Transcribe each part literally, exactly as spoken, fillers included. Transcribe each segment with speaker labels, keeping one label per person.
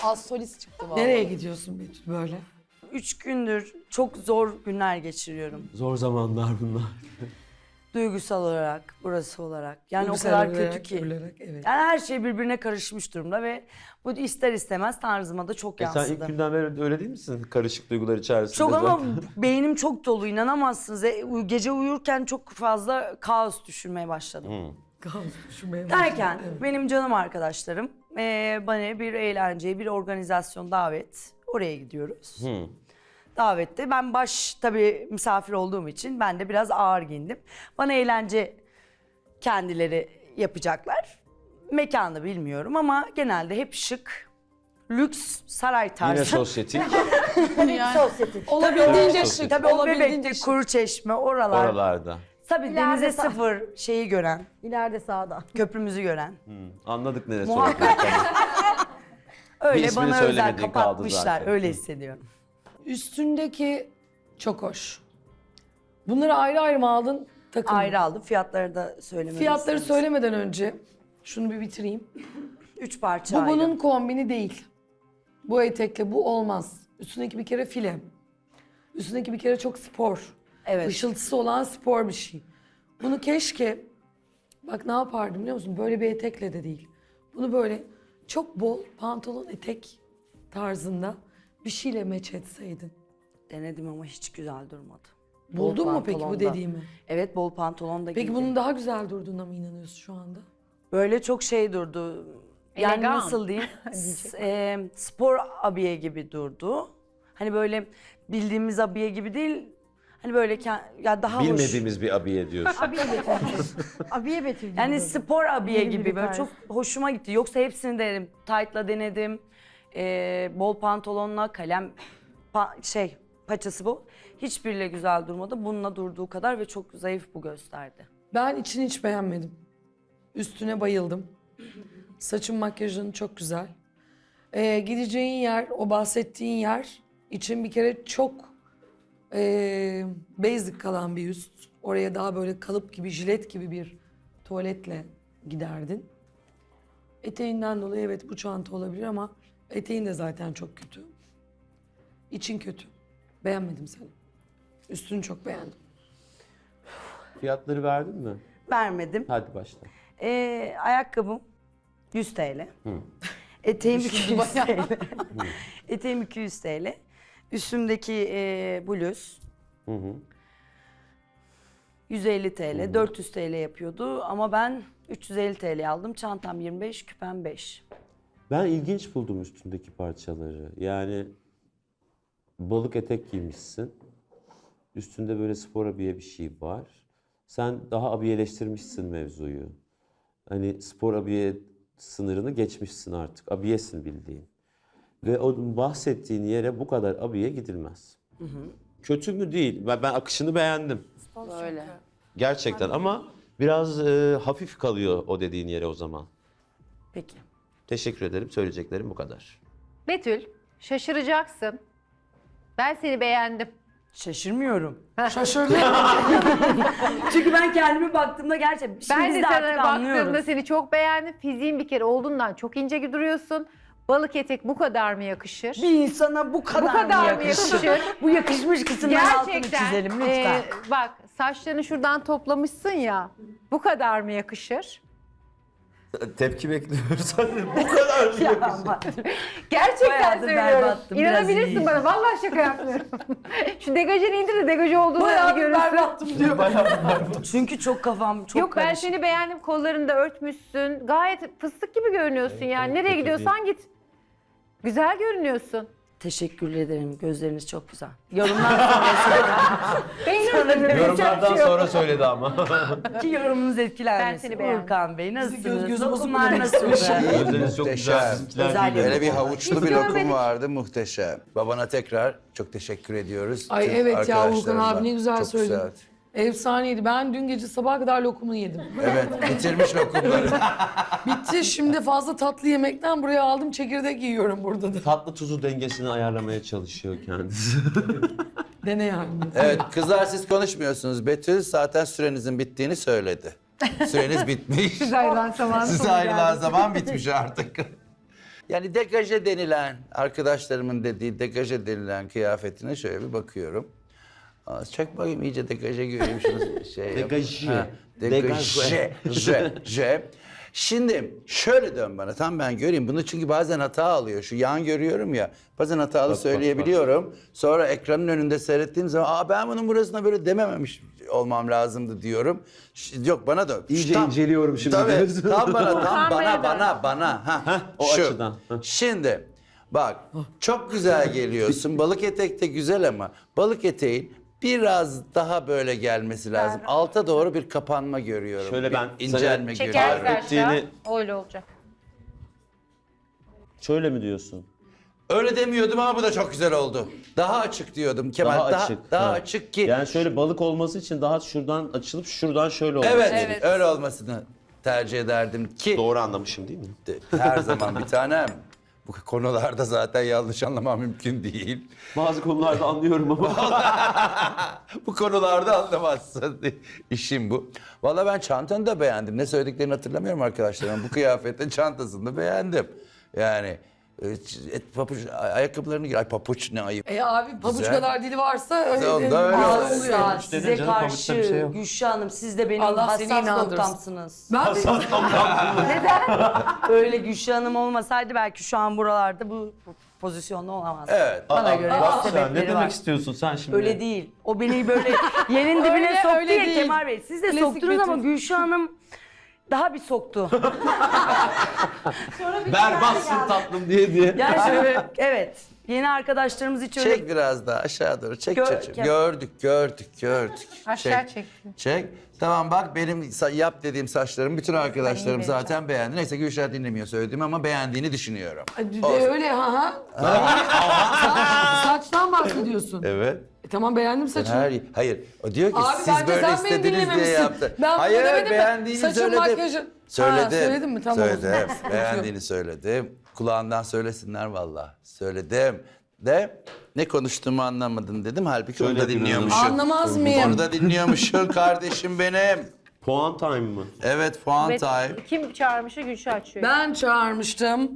Speaker 1: Az solist çıktı vallahi.
Speaker 2: Nereye gidiyorsun Betül böyle?
Speaker 3: Üç gündür çok zor günler geçiriyorum.
Speaker 4: Zor zamanlar bunlar.
Speaker 3: Duygusal olarak, burası olarak. Yani
Speaker 2: Duygusal
Speaker 3: o kadar
Speaker 2: olarak,
Speaker 3: kötü ki.
Speaker 2: olarak, evet.
Speaker 3: Yani her şey birbirine karışmış durumda ve bu ister istemez tarzıma da çok
Speaker 4: E sen
Speaker 3: yansıdı.
Speaker 4: ilk günden beri öyle değil misin? Karışık duygular içerisinde.
Speaker 3: Çok ama
Speaker 4: zaten.
Speaker 3: beynim çok dolu, inanamazsınız. E, uy- Gece uyurken çok fazla kaos düşünmeye başladım.
Speaker 2: Kaos düşünmeye başladım.
Speaker 3: Derken
Speaker 2: Evet.
Speaker 3: benim canım arkadaşlarım e, bana bir eğlenceye, bir organizasyon davet. Oraya gidiyoruz.
Speaker 4: Hı.
Speaker 3: Davette ben baş tabii misafir olduğum için ben de biraz ağır giyindim. Bana eğlence kendileri yapacaklar. Mekanı bilmiyorum ama genelde hep şık, lüks, saray tarzı.
Speaker 4: Yine sosyetik.
Speaker 1: Olabildiğince
Speaker 4: Tabii,
Speaker 1: şık.
Speaker 3: Tabii o
Speaker 1: olabildiğince
Speaker 3: Bebek'te,
Speaker 1: şık.
Speaker 3: Kuruçeşme, oralar.
Speaker 4: Oralarda.
Speaker 3: Tabii
Speaker 5: İleride
Speaker 3: denize
Speaker 5: sağ-
Speaker 3: sıfır şeyi gören,
Speaker 5: İleride sağda.
Speaker 3: köprümüzü gören.
Speaker 4: Hı. Anladık neresi
Speaker 3: Muhakkak.
Speaker 4: olduğunu. Bir
Speaker 3: Öyle
Speaker 4: ismini
Speaker 3: bana özel
Speaker 4: söylemediğin kaldı
Speaker 3: kapatmışlar.
Speaker 4: zaten.
Speaker 3: Öyle hissediyorum.
Speaker 2: Üstündeki çok hoş. Bunları ayrı ayrı mı aldın? Takım mı?
Speaker 3: Ayrı aldım. Fiyatları da söylememi
Speaker 2: Fiyatları
Speaker 3: istedim.
Speaker 2: söylemeden önce şunu bir bitireyim.
Speaker 3: Üç parça
Speaker 2: Bu
Speaker 3: ayrı.
Speaker 2: bunun kombini değil. Bu etekle bu olmaz. Üstündeki bir kere file. Üstündeki bir kere çok spor.
Speaker 3: Evet.
Speaker 2: Işıltısı olan spor bir şey. Bunu keşke, bak ne yapardım biliyor musun? Böyle bir etekle de değil. Bunu böyle çok bol pantolon etek tarzında bir şeyle meç etseydin.
Speaker 3: Denedim ama hiç güzel durmadı.
Speaker 2: Buldun
Speaker 3: Bol
Speaker 2: mu peki bu
Speaker 3: pantolonda.
Speaker 2: dediğimi?
Speaker 3: Evet, bol pantolon da
Speaker 2: Peki
Speaker 3: giydim.
Speaker 2: bunun daha güzel durduğuna mı inanıyorsun şu anda?
Speaker 3: Böyle çok şey durdu. Yani
Speaker 5: Elegan.
Speaker 3: nasıl diyeyim? S- e, spor abiye gibi durdu. Hani böyle bildiğimiz abiye gibi değil. Hani böyle ke- ya daha hoş.
Speaker 4: Bilmediğimiz bir abiye diyorsun.
Speaker 5: Abiye Betül. Abiye Betül. gibi
Speaker 3: Yani
Speaker 5: böyle.
Speaker 3: spor abiye
Speaker 5: Yeni bir
Speaker 3: gibi böyle
Speaker 5: tarz.
Speaker 3: çok hoşuma gitti. Yoksa hepsini denedim. Tight'la denedim. Ee, bol pantolonla kalem pa- şey paçası bu. Hiçbiriyle güzel durmadı. Bununla durduğu kadar ve çok zayıf bu gösterdi.
Speaker 2: Ben içini hiç beğenmedim. Üstüne bayıldım. Saçın makyajın çok güzel. Ee, gideceğin yer, o bahsettiğin yer için bir kere çok ee, basic kalan bir üst. Oraya daha böyle kalıp gibi, jilet gibi bir tuvaletle giderdin. Eteğinden dolayı evet bu çanta olabilir ama eteğin de zaten çok kötü. İçin kötü. Beğenmedim seni. Üstünü çok beğendim.
Speaker 4: Fiyatları verdin mi?
Speaker 3: Vermedim.
Speaker 4: Hadi başla.
Speaker 3: Ee, ayakkabım yüz TL. Eteğim iki yüz TL. Eteğim iki yüz TL. Üstümdeki e, bluz
Speaker 4: Hı hı.
Speaker 3: yüz elli TL, dört yüz TL yapıyordu ama ben üç yüz elli TL aldım. Çantam yirmi beş, küpem beş.
Speaker 4: Ben ilginç buldum üstündeki parçaları. Yani balık etek giymişsin. Üstünde böyle spor abiye bir şey var. Sen daha abiyeleştirmişsin mevzuyu. Hani spor abiye sınırını geçmişsin artık. Abiyesin bildiğin. Ve o bahsettiğin yere bu kadar abiye gidilmez. Kötü mü değil. Ben, ben akışını beğendim.
Speaker 3: Böyle.
Speaker 4: Gerçekten ama biraz e, hafif kalıyor o dediğin yere o zaman.
Speaker 3: Peki.
Speaker 4: Teşekkür ederim. Söyleyeceklerim bu kadar.
Speaker 5: Betül, şaşıracaksın. Ben seni beğendim.
Speaker 3: Şaşırmıyorum.
Speaker 2: Şaşırdım.
Speaker 3: Çünkü ben kendime baktığımda gerçekten şimdi
Speaker 5: Ben
Speaker 3: biz
Speaker 5: de
Speaker 3: de
Speaker 5: sana
Speaker 3: artık
Speaker 5: baktığımda
Speaker 3: anlıyoruz.
Speaker 5: seni çok beğendim. Fiziğin bir kere olduğundan çok ince duruyorsun. Balık etek bu kadar mı yakışır?
Speaker 3: Bir insana bu kadar,
Speaker 5: Bu kadar
Speaker 3: mı
Speaker 5: mı
Speaker 3: yakışır?
Speaker 5: yakışır?
Speaker 3: Bu yakışmış kısımların altını
Speaker 5: Gerçekten.
Speaker 3: çizelim lütfen.
Speaker 5: e, bak saçlarını şuradan toplamışsın ya. Bu kadar mı yakışır?
Speaker 4: Tepki bekliyoruz. bu kadar.
Speaker 3: Ya aman.
Speaker 5: Gerçekten
Speaker 3: Bayağı da
Speaker 5: söylüyorum.
Speaker 3: berbattım, biraz
Speaker 5: İnanabilirsin
Speaker 3: iyiyim.
Speaker 5: bana. Vallahi şaka yapmıyorum. Şu degajını indir de degajı olduğunu
Speaker 2: Bayağı
Speaker 5: bir
Speaker 2: bir
Speaker 5: görürsün.
Speaker 2: berbattım diyor.
Speaker 3: Çünkü çok kafam çok
Speaker 5: Yok ben
Speaker 3: karışık.
Speaker 5: seni beğendim. Kollarını da örtmüşsün. Gayet fıstık gibi görünüyorsun yani. Nereye
Speaker 4: kötü
Speaker 5: gidiyorsan git. Güzel görünüyorsun.
Speaker 3: Teşekkür ederim. Gözleriniz çok güzel. Yorumlar sonrası.
Speaker 5: Beğeniyorum.
Speaker 4: Yorumlardan sonra söyledi ama.
Speaker 3: Ki yorumunuz etkilenmesin.
Speaker 5: Ben seni beğendim.
Speaker 3: Urkan Bey nasılsınız?
Speaker 2: göz göz olsun
Speaker 3: Dokunlar
Speaker 2: mu
Speaker 3: nasıl?
Speaker 4: Gözleriniz çok güzel.
Speaker 6: Muhteşem.
Speaker 4: Bizimkiler
Speaker 3: Özel
Speaker 4: değil.
Speaker 6: Böyle bir havuçlu
Speaker 5: Hiç
Speaker 6: bir lokum
Speaker 5: görmedik.
Speaker 6: vardı muhteşem. Babana tekrar çok teşekkür ediyoruz.
Speaker 2: Ay
Speaker 6: Tüm
Speaker 2: evet ya Volkan
Speaker 6: arkadaşlarımla.
Speaker 2: abi ne güzel
Speaker 6: Çok
Speaker 2: söyledin.
Speaker 6: güzel.
Speaker 2: Efsaneydi. Ben dün gece sabaha kadar lokumunu yedim.
Speaker 6: Evet bitirmiş lokumları.
Speaker 2: Bitti. Şimdi fazla tatlı yemekten buraya aldım. Çekirdek yiyorum burada da.
Speaker 4: Tatlı tuzu dengesini ayarlamaya çalışıyor kendisi.
Speaker 2: Dene yani.
Speaker 6: Evet kızlar siz konuşmuyorsunuz. Betül zaten sürenizin bittiğini söyledi. Süreniz bitmiş.
Speaker 5: Siz ayrılan zaman
Speaker 6: Siz
Speaker 5: sonu
Speaker 6: ayrılan
Speaker 5: geldi.
Speaker 6: zaman bitmiş artık. Yani degaje denilen, arkadaşlarımın dediği degaje denilen kıyafetine şöyle bir bakıyorum. Aa, çek bakayım iyice degaje göreyim şunu şey yap.
Speaker 4: Degaje.
Speaker 6: Ha, Degaje. Je, je. Şimdi şöyle dön bana tam ben göreyim bunu çünkü bazen hata alıyor. Şu yan görüyorum ya bazen hatalı
Speaker 4: bak,
Speaker 6: söyleyebiliyorum. Sonra ekranın önünde seyrettiğim zaman aa ben bunun burasına böyle demememiş olmam lazımdı diyorum. Ş- Yok bana dön.
Speaker 4: İyice
Speaker 6: Tam-
Speaker 4: inceliyorum şimdi
Speaker 6: Tabii
Speaker 4: diyorsun.
Speaker 6: tam bana tam
Speaker 5: Utanmaya
Speaker 6: bana
Speaker 5: dön.
Speaker 6: bana bana. Ha,
Speaker 4: o
Speaker 6: şu.
Speaker 4: açıdan. Heh.
Speaker 6: Şimdi bak çok güzel geliyorsun. Balık etek de güzel ama balık eteğin biraz daha böyle gelmesi lazım. Alta doğru bir kapanma görüyorum.
Speaker 4: Şöyle
Speaker 6: Bir
Speaker 4: ben
Speaker 6: incelme
Speaker 4: sana-
Speaker 6: görüyorum.
Speaker 5: Çekersen aşağı
Speaker 4: ettiğini-
Speaker 5: öyle olacak.
Speaker 4: Şöyle mi diyorsun?
Speaker 6: Öyle demiyordum ama bu da çok güzel oldu. Daha açık diyordum Kemal.
Speaker 4: Daha,
Speaker 6: Daha,
Speaker 4: açık.
Speaker 6: daha
Speaker 4: Ha.
Speaker 6: açık ki.
Speaker 4: Yani şöyle balık olması için daha şuradan açılıp şuradan şöyle olması.
Speaker 6: evet,
Speaker 4: gerekiyor.
Speaker 6: öyle olmasını tercih ederdim ki
Speaker 4: Doğru anlamışım değil mi?
Speaker 6: her zaman bir tanem. Bu konularda zaten yanlış anlamam mümkün değil.
Speaker 4: Bazı konularda anlıyorum ama.
Speaker 6: Bu konularda anlamazsın. İşim bu. Vallahi ben çantanı da beğendim. Ne söylediklerini hatırlamıyorum arkadaşlarım. Bu kıyafetin çantasını da beğendim. Yani e, et, papuç, ay- ayakkabılarını giy. Ay papuç ne ayıp.
Speaker 2: E abi pabuç
Speaker 6: Güzel.
Speaker 2: kadar dili varsa öyle,
Speaker 6: Onda öyle
Speaker 2: ağzı
Speaker 6: oluyor.
Speaker 2: oluyor.
Speaker 3: Asla
Speaker 4: dedin
Speaker 3: size
Speaker 4: canım,
Speaker 3: karşı
Speaker 4: pamukta bir şey yok.
Speaker 3: Gülşah Hanım siz de benim
Speaker 2: Allah seni
Speaker 3: hassas
Speaker 2: inandırsın.
Speaker 3: noktamsınız.
Speaker 2: Ben
Speaker 3: Öyle Gülşah Hanım olmasaydı belki şu an buralarda bu pozisyonda olamazdı.
Speaker 6: Evet.
Speaker 3: Bana göre
Speaker 4: Aa, sen
Speaker 3: sebepleri
Speaker 4: ne demek
Speaker 3: var.
Speaker 4: istiyorsun sen şimdi?
Speaker 3: Öyle değil. O beni böyle yerin dibine
Speaker 2: Öyle,
Speaker 3: soktu
Speaker 2: öyle
Speaker 3: ya
Speaker 2: değil.
Speaker 3: Kemal Bey. Siz de
Speaker 2: Klasik
Speaker 3: soktunuz ama
Speaker 2: Betül.
Speaker 3: Gülşah Hanım daha bir soktu.
Speaker 4: Berbatsın tatlım diye diye.
Speaker 3: Yani şöyle, evet. Yeni arkadaşlarımız hiç öyle...
Speaker 6: Çek biraz daha aşağı doğru. Çek
Speaker 3: Gör-
Speaker 6: çocuğum.
Speaker 3: Kem-
Speaker 6: Gördük, gördük, gördük.
Speaker 5: Aşağı çektim.
Speaker 6: Çek. Tamam bak benim sa- yap dediğim saçlarım bütün arkadaşlarım
Speaker 5: Ben iyi
Speaker 6: zaten beğendi. Neyse Gülşah dinlemiyor söylediğimi ama beğendiğini düşünüyorum.
Speaker 2: de öyle ha ha. Saçtan bahsediyorsun.
Speaker 6: Evet.
Speaker 2: E, tamam beğendim saçını.
Speaker 6: Her, hayır. O diyor ki
Speaker 2: Abi
Speaker 6: siz
Speaker 2: bence
Speaker 6: böyle
Speaker 2: sen beni
Speaker 6: istediniz diye
Speaker 2: dinlememişsin.
Speaker 6: yaptı.
Speaker 2: Ben bunu
Speaker 6: hayır
Speaker 2: demedim mi?
Speaker 6: beğendiğini
Speaker 2: Saçın,
Speaker 6: söyledim.
Speaker 2: makyajın.
Speaker 6: Söyledim.
Speaker 2: Ha, söyledin mi? Tamam o zaman.
Speaker 6: Söyledim.
Speaker 2: Sıkıntı yok.
Speaker 6: Beğendiğini söyledim. Kulağından söylesinler valla. Söyledim. De ne konuştuğumu anlamadın dedim. Halbuki onu da
Speaker 4: Söyledin
Speaker 6: dinliyormuşum.
Speaker 2: Anlamaz mıyım?
Speaker 6: Onu da dinliyormuşsun kardeşim benim.
Speaker 4: Puan time mı?
Speaker 6: Evet puan
Speaker 5: Ve
Speaker 6: time.
Speaker 5: kim çağırmışı Gülşah açıyor.
Speaker 2: Ben çağırmıştım.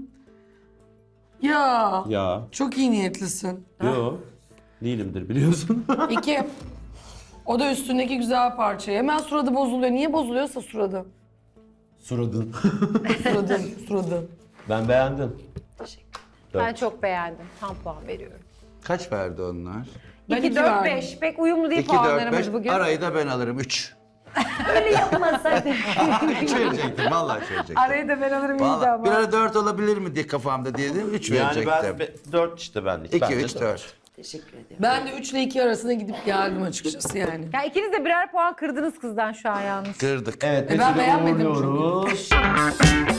Speaker 2: Ya
Speaker 4: Ya.
Speaker 2: çok iyi niyetlisin.
Speaker 4: Yo. Değilimdir biliyorsun.
Speaker 2: İki. O da üstündeki güzel parça. Hemen suradı bozuluyor. Niye bozuluyorsa suradı.
Speaker 4: Suradın.
Speaker 2: Suradı, suradı.
Speaker 4: Ben beğendim.
Speaker 5: Ben çok beğendim. Tam puan veriyorum.
Speaker 6: Kaç verdi onlar?
Speaker 2: Ben
Speaker 5: iki,
Speaker 2: iki
Speaker 5: dört,
Speaker 2: verdim.
Speaker 5: beş. Pek uyumlu değil
Speaker 6: iki, dört, beş.
Speaker 5: puanlarımız bugün.
Speaker 6: Arayı da ben alırım. Üç.
Speaker 3: yapmasaydı.
Speaker 6: Üç verecektim. Vallahi üç verecektim.
Speaker 5: Arayı da ben alırım iyiydi
Speaker 6: Vallahi
Speaker 5: ama.
Speaker 6: bir ara dört olabilir mi diye kafamda diye dedim. Üç
Speaker 4: Yani
Speaker 6: verecektim.
Speaker 4: ben be- dört işte benlik.
Speaker 6: İki,
Speaker 4: Ben de
Speaker 6: üç,
Speaker 4: dört.
Speaker 6: dört.
Speaker 3: Teşekkür ederim.
Speaker 2: Ben de üç ile iki arasına gidip geldim açıkçası yani.
Speaker 5: Ya ikiniz de birer puan kırdınız kızdan şu an yalnız.
Speaker 6: Kırdık.
Speaker 4: Evet,
Speaker 2: E ben
Speaker 4: Betül'ü
Speaker 2: beğenmedim çünkü.
Speaker 4: uğurluyoruz.